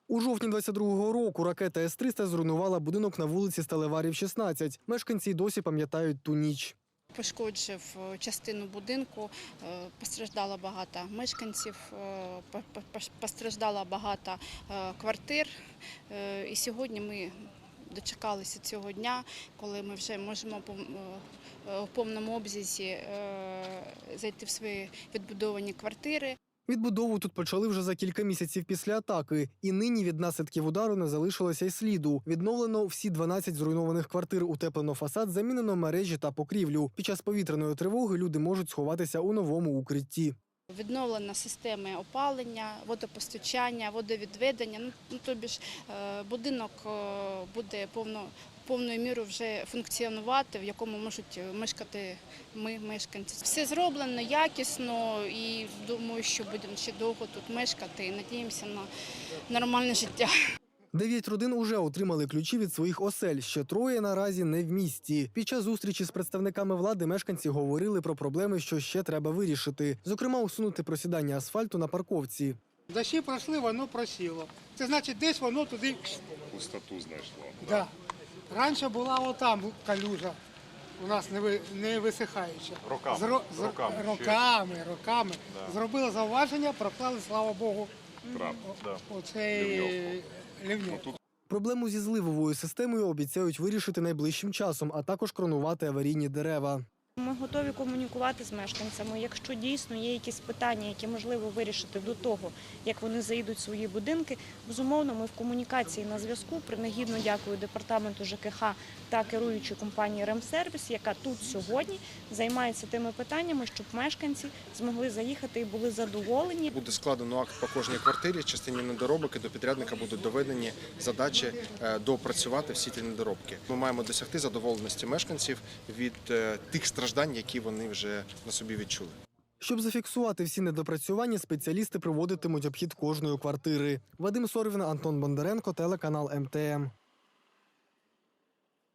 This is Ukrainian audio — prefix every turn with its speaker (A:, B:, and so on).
A: У жовтні 22-го року ракета С-300 зруйнувала будинок на вулиці Сталеварів, 16. Мешканці й досі пам'ятають ту ніч.
B: Пошкоджив частину будинку, постраждало багато мешканців, постраждало багато квартир. І сьогодні ми дочекалися цього дня, коли ми вже можемо в повному обсязі зайти в свої відбудовані квартири.
A: Відбудову тут почали вже за кілька місяців після атаки. І нині від наслідків удару не залишилося й сліду. Відновлено всі 12 зруйнованих квартир, утеплено фасад, замінено мережі та покрівлю. Під час повітряної тривоги люди можуть сховатися у новому укритті.
B: Відновлено системи опалення, водопостачання, водовідведення. Тобі ж будинок буде повною мірою вже функціонувати, в якому можуть мешкати ми, мешканці. Все зроблено якісно і думаю, що будемо ще довго тут мешкати і надіємося на нормальне життя.
A: 9 родин уже отримали ключі від своїх осель, ще 3 наразі не в місті. Під час зустрічі з представниками влади мешканці говорили про проблеми, що ще треба вирішити. Зокрема, усунути просідання асфальту на парковці.
C: Дощі пройшли, воно просіло. Це значить, десь воно туди
D: Пустоту знайшло.
C: Да. Раніше була отам калюжа, у нас не висихаюча. Роками. Да. Зробили зауваження, проклали, слава Богу, оцей лівньок.
A: Проблему зі зливовою системою обіцяють вирішити найближчим часом, а також кронувати аварійні дерева.
E: Ми готові комунікувати з мешканцями. Якщо дійсно є якісь питання, які можливо вирішити до того, як вони заїдуть в свої будинки, безумовно, ми в комунікації на зв'язку. Принагідно дякую департаменту ЖКХ та керуючій компанії «Ремсервіс», яка тут сьогодні займається тими питаннями, щоб мешканці змогли заїхати і були задоволені.
F: Буде складено акт по кожній квартирі, частині недоробок, і до підрядника будуть доведені задачі доопрацювати всі ті недоробки. Ми маємо досягти задоволеності мешканців від тих страждань, які вони вже на собі відчули.
A: Щоб зафіксувати всі недопрацювання, спеціалісти проводитимуть обхід кожної квартири. Вадим Сорвін, Антон Бондаренко, телеканал МТМ.